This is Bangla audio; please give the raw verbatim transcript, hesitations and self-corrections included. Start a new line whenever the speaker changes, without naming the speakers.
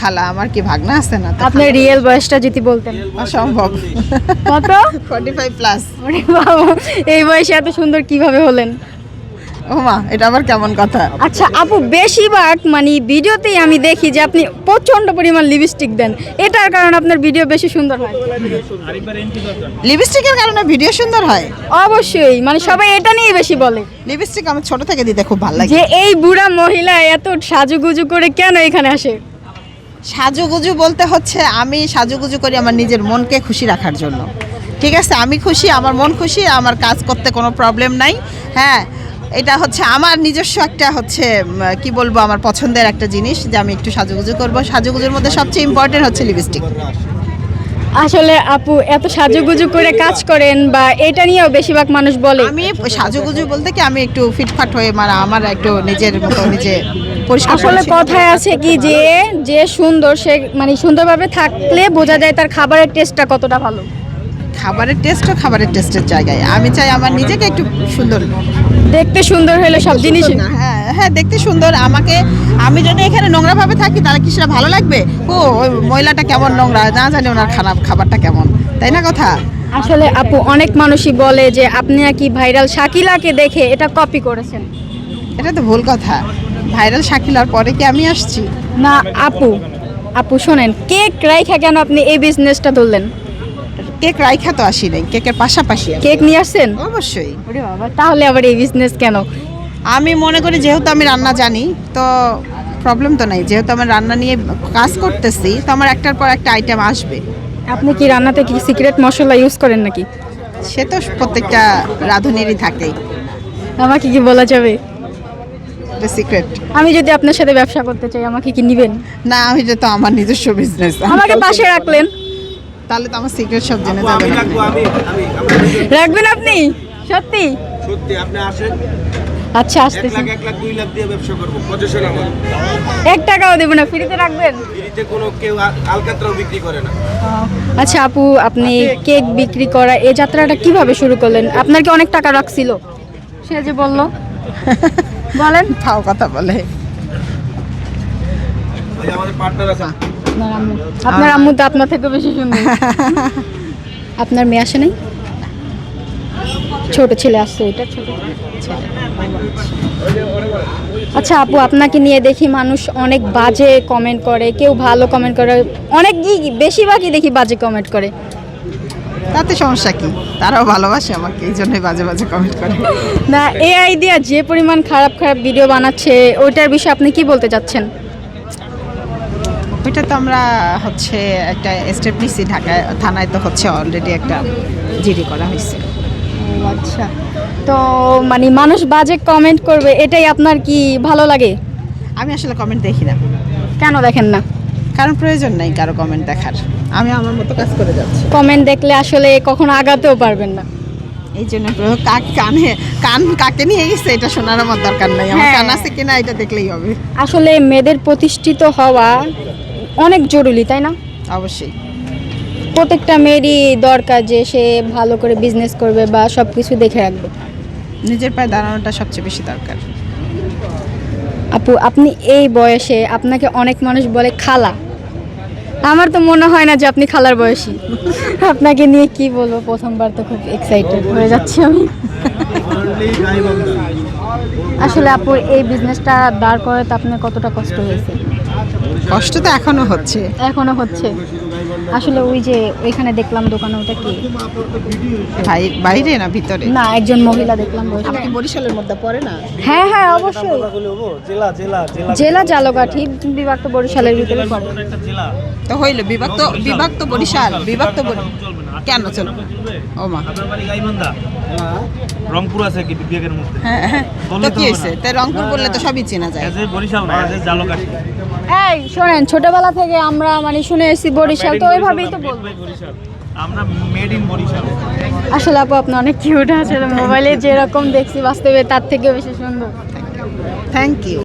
খালা, আমার কি ভাগনা আছে না?
আপনার রিয়েল বয়সটা যদি বলতেন।
অসম্ভব।
কত?
পঁয়তাল্লিশ প্লাস।
ওরে বাবা, এই বয়সে এত সুন্দর কিভাবে হলেন?
ও মা, এটা আবার কেমন কথা?
আচ্ছা আপু, বেশিরভাগ মানে ভিডিওতেই আমি দেখি যে আপনি প্রচন্ড পরিমাণ লিপস্টিক দেন, এটার কারণে আপনার ভিডিও বেশি সুন্দর হয়।
লিপস্টিকের কারণে ভিডিও সুন্দর হয়?
অবশ্যই, মানে সবাই এটা নিয়ে বেশি বলে
লিপস্টিক আমার ছোট থেকে দিতে খুব ভালো লাগে।
যে এই বুড়া মহিলা এত সাজুগুজু করে কেন এখানে আসে?
সাজুগুজু বলতে হচ্ছে আমি সাজুগুজু করি আমার নিজের মনকে খুশি রাখার জন্য। ঠিক আছে, আমি খুশি, আমার মন খুশি, আমার কাজ করতে কোনো প্রবলেম নাই। হ্যাঁ, এটা হচ্ছে আমার নিজস্ব একটা হচ্ছে উম, কি বলবো, আমার পছন্দের একটা জিনিস যে আমি একটু সাজুগুজু করব। সাজুগুজুর মধ্যে সবচেয়ে ইম্পর্টেন্ট হচ্ছে লিপস্টিক।
আসলে আপু এত সাজুগুজু করে কাজ করেন বা এটা নিয়েও বেশিরভাগ মানুষ বলে।
আমি সাজুগুজু বলতে কি আমি একটু ফিটফাট হয়ে, মানে আমার একটু নিজের মতো নিজে পরিষ্কার
আসলে
পরিচ্ছন্ন।
কথায় আছে কি যে যে সুন্দর সে মানে সুন্দরভাবে থাকলে বোঝা যায় তার খাবারের টেস্টটা কতটা ভালো।
খাবারের টেস্টও খাবারের টেস্টের জায়গায়, আমি চাই আমার নিজেকে একটু সুন্দর
দেখতে সুন্দর হলে সব জিনিস।
না, হ্যাঁ হ্যাঁ, দেখতে সুন্দর। আমাকে, আমি যদি এখানে নোংরাভাবে থাকি তাহলে কি সেটা ভালো লাগবে? ও ওই মহিলাটা কেমন নোংরা, না জানি ওনার খানা খাবারটা কেমন, তাই না কথা?
আসলে আপু অনেক মানুষই বলে যে আপনি নাকি ভাইরাল শাকিলাকে দেখে এটা কপি করেছেন।
এটা তো ভুল কথা। ভাইরাল শাকিলার পরে কি আমি আসছি?
না আপু, আপু শোনেন, কেক রাইখা কেন আপনি এই বিজনেসটা ধরলেন?
কেক রাইখা তো আসি নাই, কেকের পাশাপাশি আসি।
কেক নিয়ে আসছেন?
অবশ্যই।
ওরে বাবা, তাহলে আবার এই বিজনেস কেন?
আমি মনে করি যেহেতু আমি রান্না জানি তো প্রবলেম তো নাই, যেহেতু আমি রান্না নিয়ে কাজ করতেছি তো আমার একটার পর একটা আইটেম আসবে।
আপনি কি রান্নাতে কি সিক্রেট মশলা ইউজ করেন নাকি?
সে তো প্রত্যেকটা রাঁধুনেরই থাকেই,
আমাকে কি বলা যাবে?
এটা সিক্রেট।
আমি যদি আপনার সাথে ব্যবসা করতে চাই আমাকে কি নিবেন?
না, আমি যে তো আমার নিজস্ব বিজনেস,
আমাকে পাশে রাখলেন,
তাহলে তো আমার সিক্রেট সব জেনে যাবে।
আমি রাখবো, আমি আমি আমি
রাখবেন আপনি? সত্যি?
সত্যি আপনি আসেন,
আচ্ছা
এক
আসতেছি।
লাখ এক লাখ দুই লাখ দিয়ে ব্যবসা করবো, পজিশন আমার।
এক টাকাও দেবো না, ফ্রিতে রাখবেন?
ফ্রিতে কোনো কেউ আ- আলকাতরাও বিক্রি করে না।
আচ্ছা আপু, আপনি কেক বিক্রি করা এই যাত্রাটা কিভাবে শুরু করলেন? আপনার কি অনেক টাকা রাখছিল? সে যে বলল, বলেন।
ফাও কথা বলে।
ওই যে আমাদের পার্টনার আছে,
আপনার আম্মু, আপনার আম্মু তো আপনার থেকে বেশি সুন্দর। আপনার মেয়ে আসে নাই? ছোট ছেলে আসছে, এটা ছোট ছেলে। আচ্ছা আপু, আপনাকে নিয়ে দেখি মানুষ অনেক বাজে কমেন্ট করে, কেউ ভালো কমেন্ট করে, অনেক বেশিরভাগই দেখি বাজে কমেন্ট করে।
তাতে সমস্যা কি? তারাও ভালোবাসে আমাকে, এই জন্যই বাজে বাজে কমেন্ট করে।
না, এআই দিয়া যে পরিমাণ খারাপ খারাপ ভিডিও বানাচ্ছে ওইটার বিষয়ে আপনি কি বলতে চাচ্ছেন?
ওইটা তো আমরা হচ্ছে একটা স্টেপ নিচ্ছি, ঢাকায় থানায় তো হচ্ছে অলরেডি একটা জিডি করা হয়েছে।
আচ্ছা, তো মানে মানুষ বাজে কমেন্ট করবে এটাই আপনার কি ভালো লাগে?
আমি আসলে কমেন্ট দেখি না,
কেন দেখেন না?
কারণ প্রয়োজন নাই কারো কমেন্ট দেখার, আমি আমার মতো কাজ করে যাচ্ছি।
কমেন্ট দেখলে আসলে কখনো আগাতেও পারবেন না।
এই জন্য প্র- কাক কানে কান কাকে নিয়ে গেছে এটা শোনার আমার দরকার নাই, আমার
হ্যাঁ।
কান আছে কিনা এটা দেখলেই হবে।
আসলে মেয়েদের প্রতিষ্ঠিত হওয়া অনেক জরুরি, তাই না?
অবশ্যই।
প্রত্যেকটা মেয়েরই দরকার যে সে ভালো করে বিজনেস করবে বা সব কিছু দেখে রাখবে।
নিজের পায়ে দাঁড়ানোটা সবচেয়ে বেশি দরকার।
আপু, আপনি এই বয়সে আপনাকে অনেক মানুষ বলে খালা, আমার তো মনে হয় না যে আপনি খালার বয়সী। আপনাকে নিয়ে কি বলবো, প্রথমবার তো খুব এক্সাইটেড হয়ে যাচ্ছি আমি। আসলে আপু এই বিজনেসটা দাঁড় করাতে আপনার কতটা কষ্ট হয়েছে?
কষ্ট তো এখনো হচ্ছে।
এখনো হচ্ছে? আসলে ওই যে ওইখানে দেখলাম দোকানে, ওটা কি?
ভাই বাইরে না ভিতরে?
না, একজন মহিলা দেখলাম বসে।
আপনি কি বরিশালের মধ্যে পড়ে না?
হ্যাঁ হ্যাঁ অবশ্যই,
জেলা জেলা জেলা
জেলা জালকাঠি বিভাগ তো বরিশালের ভিতরে পড়ে।
তো হইলো বিভক্ত, বিভক্ত বরিশাল, বিভক্ত বরি- কেন চলবে? ও মা,
আপনার বাড়ি গাইবান্ধা, রংপুর আছে কি বিবেকের মধ্যে?
হ্যাঁ হ্যাঁ,
বললে
তো
তো
কি
হবে
হয়েছে? তাই রংপুর বললে তো সবই চেনা যায়।
এজ এ বরিশাল না, এজ এ জালকাঠি।
এই শোনেন, ছোটবেলা থেকে আমরা মানে শুনে এসেছি বরিশাল, তো ওইভাবেই তো বলবো।
বরিশাল, আমরা মেড ইন বরিশাল।
আসলে আপু আপনি অনেক কিউট আছে, মোবাইলে যেরকম দেখছি বাস্তবে তার থেকেও বেশি সুন্দর।
Thank you.